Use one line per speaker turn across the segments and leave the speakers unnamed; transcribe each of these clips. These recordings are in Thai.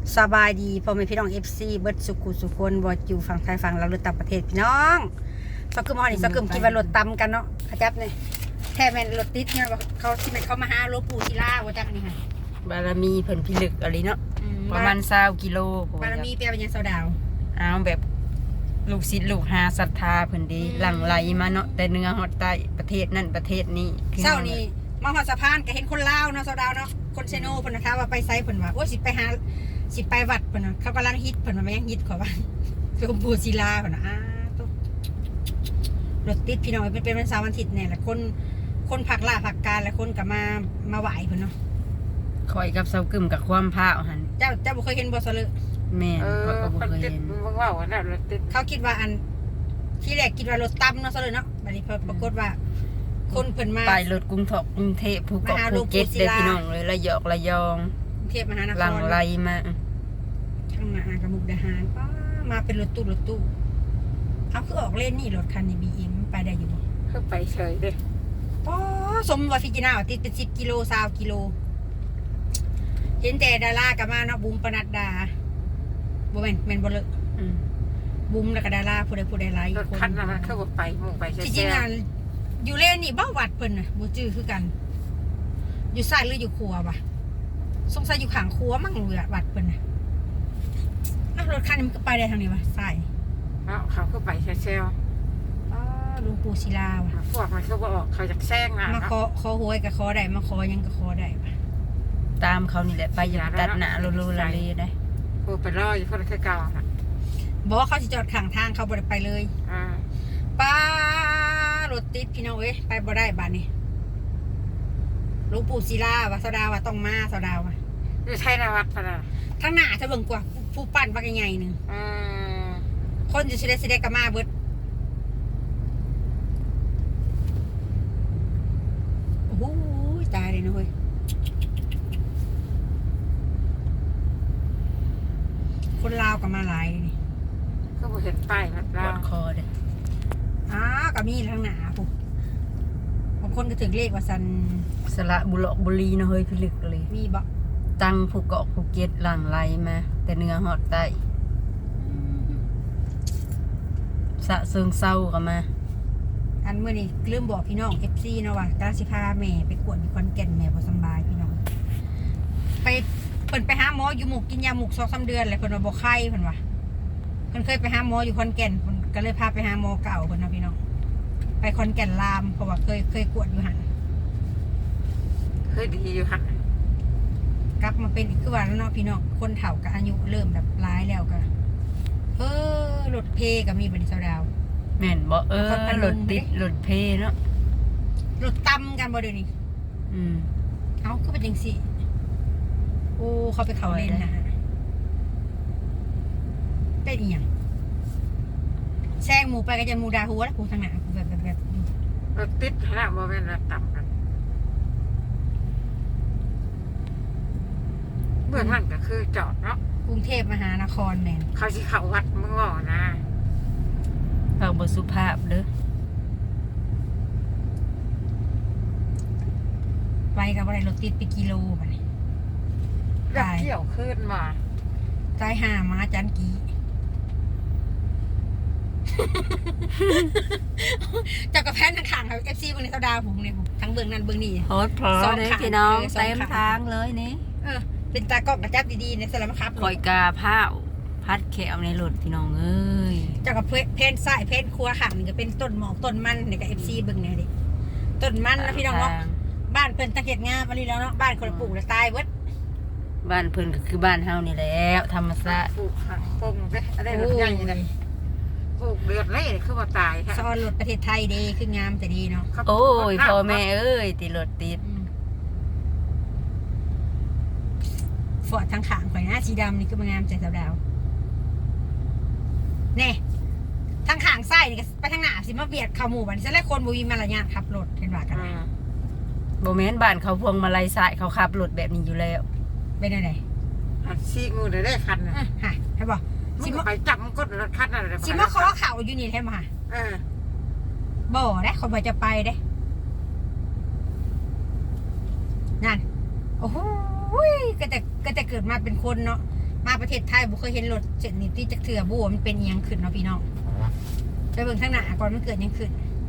สบายดีพ่อแม่พี่น้อง FC เบิดสุขุสุคนบ่อยู่ฝั่งไทยฝั่งเราหรือต่างประเทศพี่น้องสักกึมฮอนี่สักกึมคิดว่ารถตำกันเนาะขจับนี่แท้แม่นรถติดเนี่ยเขาที่มันเขามาหาหลวงปู่ศิลาว่าจักนี่ค่ะ
บารมีเพิ่นพิลึกอะไรเนาะประมาณ20กิโล
บารมีเปียเป็นยังเสาดาว
เอาแบบลูกศิษย์ลูกหาศรัทธาเพิ่นดีหลั่งไหลมาเนาะแต่เนื้อฮอดใต้ประเทศนั่นประเทศนี้
เช้านี้มาฮอดสะพานก็เห็นคนลาวเนาะเสาดาวเนาะคนเซโนเพิ่นนะคะว่าไปไสเพิ่นว่าโอ้สิไปหาสิไปวัดเพิ่นน่ะเขากำลังฮิตเพิ่นว่าแม่งฮิตขอว่าหลวงปู่ศิลาเพิ่นน่ะตุ๊รถติดพี่น้องเป็นวันเสาร์วันอาทิตย์เนี่ยแหละคนผักล่าผักการและคนก็มาไหวเพิ่นเนาะ
คอยกับเซากึมกับความพาวหั่น
เจ้าบ่เคยเห็นบ่ซะเลย
แม่ข้อยก็บ่เคยเห็น
ว่าว่าน่ะรถติด
เขาคิดว่าอันที่แรกคิดว่ารถตั้มเนาะซะเลยเนาะบัดนี้ปรากฏว่าคนเพิ่นมา
ไปรถกรุงเทพภูเก็ตภูเก็ตเด้อพี่น้องเลยระยอง
กรุงเทพมหานคร
หลั่งไหลมา
ทางมากับมุกดาหารป้ามาเป็นรถตู้เอาคือออกเล่นนี่รถคันนี้ BM ไปได้อยู่บ่
คือไปเฉยเด้
ป้อสมว่าฟิจินาว่าติดเป็น10กิโล20กิโลเห็นแต่ดารากับมาเนาะบุ้มปนัดดาบ่แม่นบ่เลยบุ้มแล้วก็ดาราผู้ใดหลาย
คนคันนั้นคือบ่ไปมุ่งไป
จริงๆอ่ะอยู่เล่นนี่บ้าวัดเพิ่นน่ะบ่จื้อคือกันอยู่ซ้ายหรืออยู่ขวาบ่สงสัยอยู่ข้างขวามั่งเลยวัดเพิ่นน่ะรถคันนี้มันก็ไปได้ทางนี้วะซ้าย
เขาคือไปเซล
หลวงปู่ศิลาว่ะ
พวกมันก็บอกเขาจะแซงนะ
มาขอหวยก็ขอได้มาขอยังก็ขอได้ป่ะ
ตามเขานี่แหละไปอย่าตัดหน้าโลละเลได้
โอ้ไปรออยู่คนคือเก่าน่ะ
บอกว่าเขาสิจอดข้างทางเขาบ่ได้ไปเลยป้ารถติดพี่น้องเอ้ยไปบ่ได้บ้านนี้หลวงปู่ศิลาว่าสดาว่าต้องมาสดาว่า
อยู่ไทยนวัดพะนะ
ทางหน้าจะเบิ่งกว่าผู้ปั้นว่าใหญ่ๆนึงคนอยู่สิได้ก็มาเบิดโอ้โหตายเลยนะเฮ้ยคนลาวก็มาหลายเลยนี่
ก็บ่เห็นป้ายวัดลาว
คอเด้
ก็มีทางหน้าปุ๊บบางคนก็ถึงเลขว่าซัน
สระบุรีเนาะเฮ้ยพิลึกเลย
มีบ่
ตั้งภูเก็ตภูเก็ตหลั่งไหลมาแต่เนื้อฮอดใต้สะเซิงเศร้าก็มา
อันเมื่อนี้ลืมบอกพี่น้อง FC เนาะว่ากาสิพาแม่ไปกวดอยู่ขอนแก่นแม่บ่สบายพี่น้องไปเพิ่นไปหาหมออยู่หมุกกินยาหมุก 2-3 เดือนแล้วเพิ่นว่าบ่ไข้เพิ่นว่าเพิ่นเคยไปหาหมออยู่ขอนแก่นเพิ่นก็เลยพาไปหาหมอเก่าเพิ่นนะพี่น้องไปขอนแก่นลามเพราะว่าเคยกวดอยู่หั่น
เคยดีอยู่หั่น
กลับมาเป็นอีกคือว่าแล้วเนาะพี่น้องคนเฒ่าก็อายุเริ่มแบบร้ายแล้วก็รถเพก็มีบัดนี้เซาดาว
แม่นบ่รถติดรถเพเนาะ
รถตำกันบ่เดี๋ยวนี้เอ้าคือเป็นจังซี่โอ้เขาไปเขาเล่นนะเป็นอีหยังแซงหมูไปก็จะหมูดาหัวแล้วกูทางหน้ากูแบบ
รถติดขนาดบ่แม่นรถต่ำกันเบื้องหลังก็คือจอดเนาะ
กรุงเทพมหานครแม่น
เขาสิเข้าวัดมึงว่านะ
เขาบ่สุภาพเด้อ
ไปกับอะไรรถติดไปกิโลบัดนี้
เกี่ยวขึ้นมา
ใจหามาจันกีจากกระแพนทางข้างครับ FC เบิ่งในเสาดาวผมเนี่ยทั้งเบื้องนั้นเบื้องนี้
โหดพอเลยพี่น้องเต็มทางเลยนี่
เป็นตากล้องกระจับดีๆในสลัมครับ
คอยกาผ้าพัดแขวในรถพี่น้องเอ้ย
จากกับเพนซ้ายเพนครัวข้างนี่ก็เป็นต้นหมอกต้นมันนี่ก็ FC เบิ่งเนี่ยดิต้นมันนะพี่น้องเนาะบ้านเพิ่นตะเกียบงามอันนี้แล้วเนาะบ้านคนปลูกแล้วตายเบิด
บ้านเพิ่นก็คือบ้านเฮานี่แหละธรรมชาติ
ปลูกผักปงเด้อะไรรถใหญ่นี่ปลูกเดือดเลยคือว่าตายค่ะ
ซ้อนรถประเทศไทยดีคืองามแต่ดีเนาะ
โอ้ยพ่อแม่เอ้ยติดรถติด
ฟอร์ดทางข้างข่อยหน้าสีดำนี่คือมันงามใจสาวดาวแน่ทางข้างซ้ายนี่ก็ไปทางหน้าสิมาเบียดเข้าหมู่บ้านซะแล้วคนบ่มีมารยาทขับรถเห็นว่ากัน
บ่แม่นบ้านเขาพวงมาลัยซ้ายเขาขับรถแบบนี้อยู่แล้ว
เป็นจังได๋
ซีงูได้คันน่ะ
ฮะให้บ่
สิไปจับมันก็รถคันนั่นแหละ
สิมาขอเข้าอยู่นี่แท้บ่ฮะบ่ได้คนบ่จะไปเด้นั่นโอ้โหก็จะเกิดมาเป็นคนเนาะมาประเทศไทยบ่เคยเห็นรถเส้นนี้ที่จักเถื่อบ่ว่ามันเป็นอิหยังขึ้นเนาะพี่น้องไปเบิ่งทางหน้าก่อนมันเกิดหยังขึ้น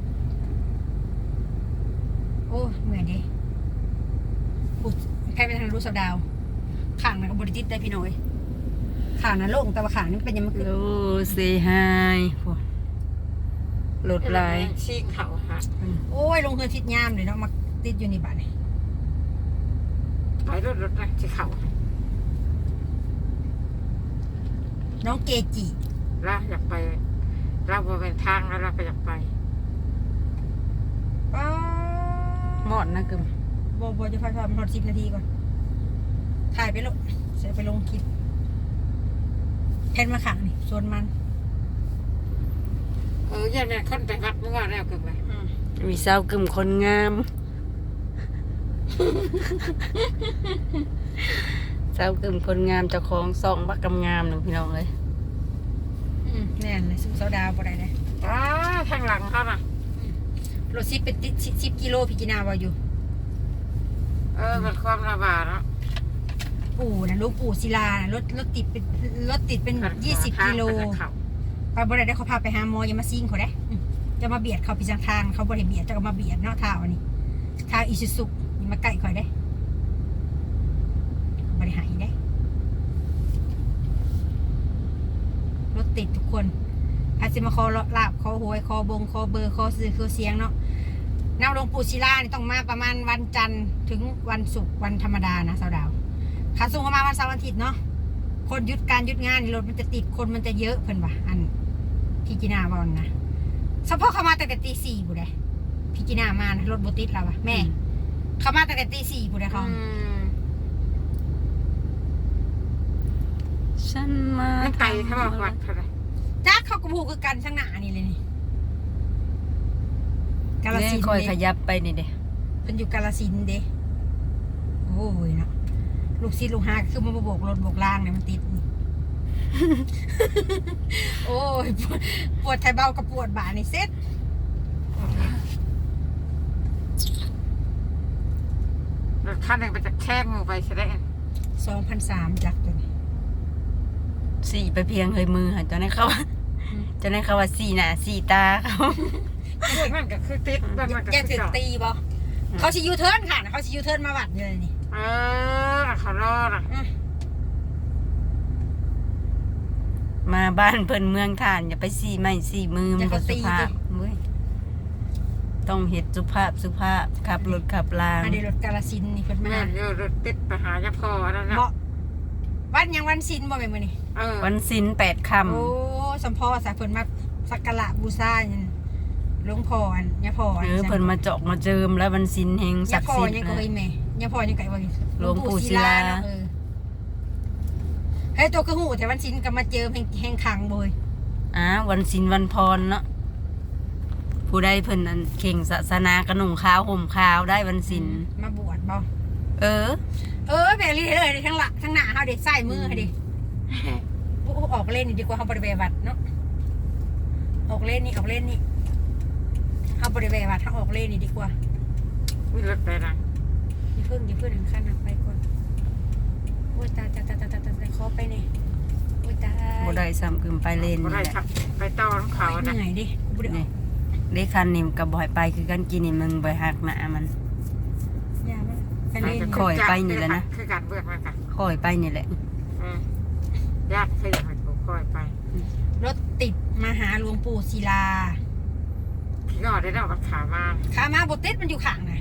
โอ้เหมือนดิปุ๊บใครไปทางรู้สาวดาวข้างนั้นก็บ่ได้ติดได้พี่น้อยข้างนั้นโล่งแต่ว่าข้างนี้มันเป็นหยังมันขึ้น
โอ้เซฮายพวกรถลาย
ชิงเขาฮะ
โอ้ยลงเฮือทิศยามเลยเนาะมาติดอยู่ในบ้านนี่
ไปรถนะที่เขา
น้องเกจิ
แล้วอยากไปเราบริเวณทางแล้วเราก็อยากไป
ป้า
หมอดนะกึม
บ่จะพามันฮอด10 นาทีก่อนถ่ายไปลงเสียไปลงคลิปแพนมาขังนี่โซนมัน
ยังเนี่ยคนไปวัดเมื่อวานแล้วกันไป
มีสาวกึมคนงามสาวกึมคนงามเจ้าของซองบักกำงามหนึ่งพี่น้องเลย
แน่นเลยสู้สาวดาวบ่ได้เลย
ทางหลังเขาน่ะ
รถซิปเป็นติด10 กิโลพี่กินาว่าอยู่
มันความระบาดเนาะ
ปู่นะลูกปู่ศิลานะรถติดเป็น20 กิโลไปบ่ได้เขาพาไปหาหมออย่ามาซิ่งเขาได้จะมาเบียดเขาไปทางเขาบ่ได้เบียดจะมาเบียดเนาะท่าอันนี้ท่าอิซุซุอย่ามาใกล้ข่อยได้บ่ได้หายได้รถติดทุกคนพาสิมาคอลาบคอหวยคอบงคอเบอร์คอซื้อคอเสียงเนาะน้ำหลวงปู่ศิลานี่ต้องมาประมาณวันจันทร์ถึงวันศุกร์วันธรรมดานะสาวดาวขาส่งมาวันเสาร์วันอาทิตย์เนาะคนหยุดการหยุดงานรถมันจะติดคนมันจะเยอะเพิ่นว่ะอันพี่กินาบอลนะเฉพาะเขามาตั้งแต่ตี 4บุได้พี่กินามานะรถบติดแล้ววะแม่เขามาตั้งแต่ตี 4บุได้เขา
ฉันมา
ไม่ไกลเขาบอกวัดเท่าไหร่
จ้าเขากระพูคือกันช่างหนานี่เลยนี่กาล
เนี่ย
สินธุ์
คอยข
เด้
ยับไปนี่เด้
เป็นอยู่กาลสินธุ์เด้โอ้ยเนาะลูกศิษย์ลูกหาคือมาโบกรถโบกล่างเนี่ยมันติดนี่ โอ้ยปวดไทยเบากับปวดบ่านี่เซ็ต
รถคันหนึ่งไปจากแช่งูไปแสดง
2,300จักตัวนี้
สี่ไปเพียงเฮยมือค่ะเจ้าในเขาเจ้าในเขาว่าสี่หน้าสี่ตาเขา
เรื่องนั้นก็คือติดเรื่องนั้นก็
แก
คือ
ถึง
จอด
ตีบ่เขาชิยูเทิร์นค่ะเขาชิยูเทิร์นมาวัดเลยนี่
เขารอด
มาบ้านเพิ่นเมืองท่านอย่าไปสี่ไม้สี่มือมันบ่สุภาพเว้ยต้องเฮ็ดสุภาพขับรถขับลาง
อันนี้รถกาลสินธุ์นี่เพิ่นมา
แม่เยอะรถติดไปหายาพอนั่นนะ
เหมาะวันยังวันสินบ่แม่นมื้อนี้
วันศิล8 ค่ำ
โอ้สมพอสาเพิ่นมาสักการะบูชาหยังหลวงพ่ออันยะพ่ออัน
เพิ่นมาเจาะมาเจิมแล้ววันศิลแห่งศั
ยะ
กดิ์
พ่อ
สิทธิ์
ยังก็
นะ
เอ้ยแม่ยะพ่อยังไกว่า
หลวงปู่ศิลา
เนาะเฮ้ยตัวคือหูแต่วันสินก็มาเจอแห่งขังบ่ย
วันศิลวันพรเนาะผู้ใดเพิ่นอันเข่งศาสนากระหนุ่งขาวห่มขาวได้วันศิล
มาบวชบ่
เออ
แบบนี้เลยทั้งหลังทั้งหน้าเฮาเด้ใส่มือเฮาเด้โอ้ออกเล่นนี่ดีกว่าเฮาบ่ได้ไปวัดเนาะออกเล่นนี่เฮาบ่ได้ไปวัดเฮาออกเล่นนี่ดีกว่า
วิ่งรถไปนะ
อย่าเพิ่งถึงขั้นนั้นไปก่อนโอ้ยตายขอไปนี่โอ้ยตาย
บ่ได้ซ้ำกึมไปเล่น
บ่
นี่
ได้
แหละ
ขับไปต้อนเขา
เห
นะ
นื่อยดิกูบ่ได้อ
นี่
อก
เลขคันนี่กับบ่ให้ไปคือกันกินนี่มึงบ่หักหน้ามัน
ยามันไปเล่น
คอยไปนี่แหละนะ
คือการเบื่อมันกัน
ค่อยไปนี่แหละ
ญาติขยันให้กูคอยไป
รถติดมาหาหลวงปู่ศิลา
พี่ก็ได้ดอกกับขามา
ขามาบ่ติดมันอยู่ข้างน่ะ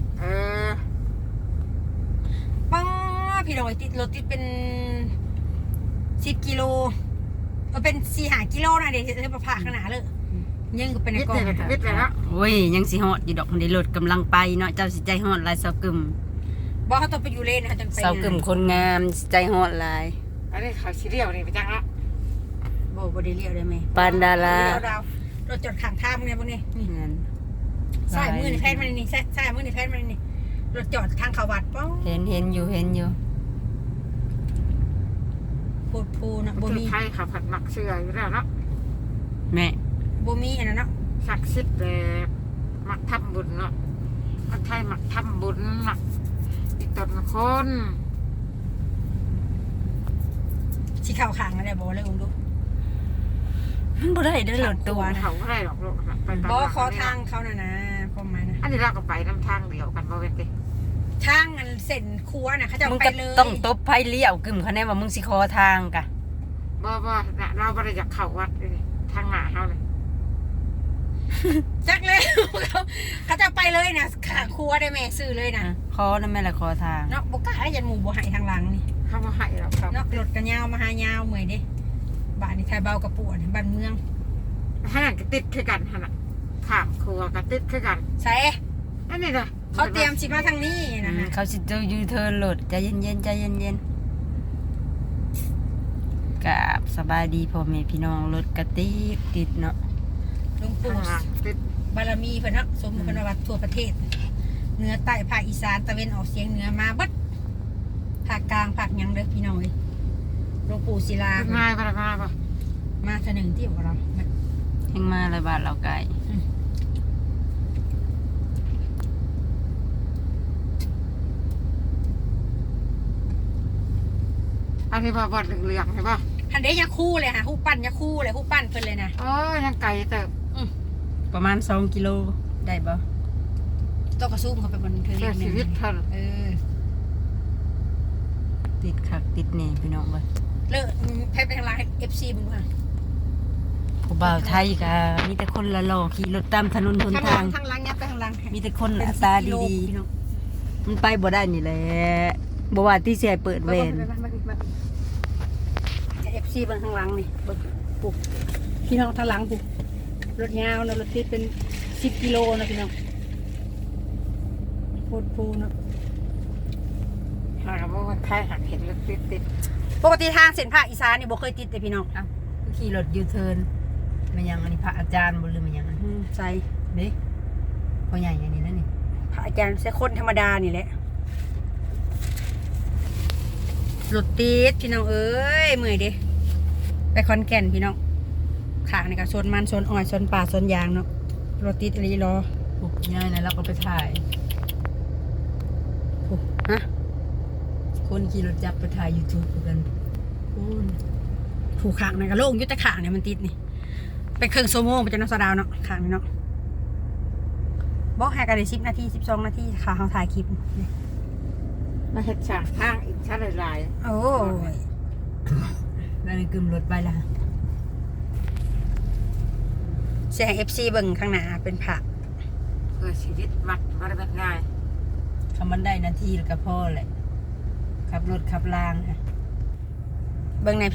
ป้าพี่น้องติดรถติดเป็น10 กิโลเป็น4-5 กิโลนะเดี๋ยวจะมาพาข้างหน้าเลยยังก็เป็นใน
วิท
ก
ย์
ล่อง
เลยวิทย์เลยแล้ว
โอ้ยยังสิฮอดอยู่ดอกมันได้รถกำลังไปเนาะเจ้าสิใจฮอดหลายเซากึม
บอกเขาต้องไปอยู่เลนนะจังไป
เซากึมคนงามสิใจฮอดหลาย
อันนี้เขาซีเรียลนี่ไปจังละ
บ่ได้เลี้ยวได้ไหม
ปานดารา
รถจอดข้างทางเนี่ยพวกนี้นี่
นั่น
ใส่มือในแพทย์มันนี่ใส่มือในแพทย์มันนี่รถจอดทางเขาวัดป้อง
เห็นอยู่
โพดโพนะบ่
คือ
มี
ไทยเขาผัดหมักเชื่ออยู่แล้วเนาะ
แม่
บ่มีอันนั้นเนาะ
ศักดิ์สิทธิ์แบบหมักทำบุญเนาะคนไทยหมักทำบุญหมักอีกตนคน
สิเข้าข้างนั่นแหละบ่เลยอุ้มดู
มันบ่ได้เด้อรถตู้
เขาไม่ได้หรอกลูกไป
บ่ขอทางเขาน่ะนะความหมายนะ
อันนี้เราก็ไปน้ำทางเดียวกันบ่เว้นติ
ทางอันเส้นครัวน่ะเขาจะ
มึง
ไป
ก็
เลย
ต้องตบไผเลี้ยวกึ่มคะแนนว่ามึงสิขอทางกะ
บ่เราบ่ได้อยากเข้าวัดเลยทางหน้าเฮาเลย
จักเลย เขาจะไปเลยนะขาครัวได้แม่ซื้อเลยนะ
ขอนั่นแม่ละขอทาง
เนาะบ่กล้าได้ยันหมู่บ่ให้ทางหลังนี่
เขาบ่ให้เราครับ
เนาะรถกันยาวมาหายาวเมื่อยเด้บ้านนี่ไทยเบากระปวดบ้านเมือง
ขนาดก็ติดคือกันขนาดข้ามครัวก็ติดคือกัน
ใส่
อันนี้นะ
เขาเตรียมสิมาทางนี้นะฮะ
เขาสิจะยูเทิร์นรถใจเย็นๆใจเย็นๆกับสบายดีพ่อแม่พี่น้องรถกระติดเนาะ
หลวงปู่
ข้างหลังติด
บารมีเพิ่นเนาะสมเพิ่นว่าทั่วประเทศเหนือใต้ภาคอีสานตะเวนออกเฉียงเหนือมาเบิดภาคกลางภาคหยังเด้อพี่น้องเอ้ยหลวงปู่ศิลา
ง่ายป่ะง่ายป่ะ
มาเทื่อหนึงที่ของเรา
แห่งมาเลยบาทเราไกล
อันนี้บ่บดเหลืองๆใช่ป่ะ
ทันเด้ยาคู่เลยค่ะฮู้ปั้นยาคู่เลยฮู้ปั้นเพิ่นเลยนะ
โอ้ยยังไก่เติบ
ประมาณ2 กิโลได้บ่
ต้องกระซุ่มเข้าไปบนเทือ
เสียชีวิตเท่านั้น
ติดคักติดแน่พี่น้องเว้ย
เลิกแพ้ไปทางร้าน FC มึงว่า
ผู้บ่าวไทยก็มีแต่คนละหล่อขี่รถตามถนนหนทาง
ทางหลังยับไปทางหลัง
มีแต่คนหน้าตาดีๆมันไปบ่ได้นี่แหละบ่ว่าที่สิให้เปิดเวร
เอฟซีเบิ่งทางหลังนี่เบิ่งปุ๊บพี่น้องทางหลังปุ๊บรถยาวนะรถติดเป็น10 กิโลนะพี่น้องโคตรฟูเนาะ
หากว่ามันใครหักเห็นแล้วติด
ปกติทางเส้นภาคอีสานนี่บ่เคยติดเลยพี่น้อง
อ้าวคือขี่รถยูเทิร์นมันยังอันนี้พระอาจารย์บ่หรือมันยังอัน
ใส่
เด้พ่อใหญ่อย่างนี้นั่นนี่
พระอาจารย์ใส่คนธรรมดานี่แหละรถติดพี่น้องเอ้ยเมื่อยเด้ไปขอนแก่นพี่น้องข้างนี่ก็โซนมันโซนอ้อยโซนป่าโซนยางเนาะรถติดอะไรรอ
พวกง่ายนะเราก็ไปถ่าย
ปุ๊บฮะ
คนขี่รถจับไปถ่าย YouTube กันคุณ
ผูกขางนี่ก็โล่งอยุติขางเนี่ยมันติดนี่เป็นเครื่องโซโม่มันจะน้ำสะดาวเนาะขางนี่เนาะบอกให้กันได้10 นาที 12 นาทีค่ะเขาถ่ายคลิปนี่
ๆมาเห็ดฉากทางอีกชั้นหลาย
โอ้ย
แล้วนี่กึมรถไปละ
เสียง FC เบิ่งข้างหน้าเป็นผัก
ๆเพื่อชีวิตมัดบ่ได้เป็นง่าย
คำมันได้นาทีแล้วก็พอแหละขับรถขับรางค่ะ
เบิ่งใน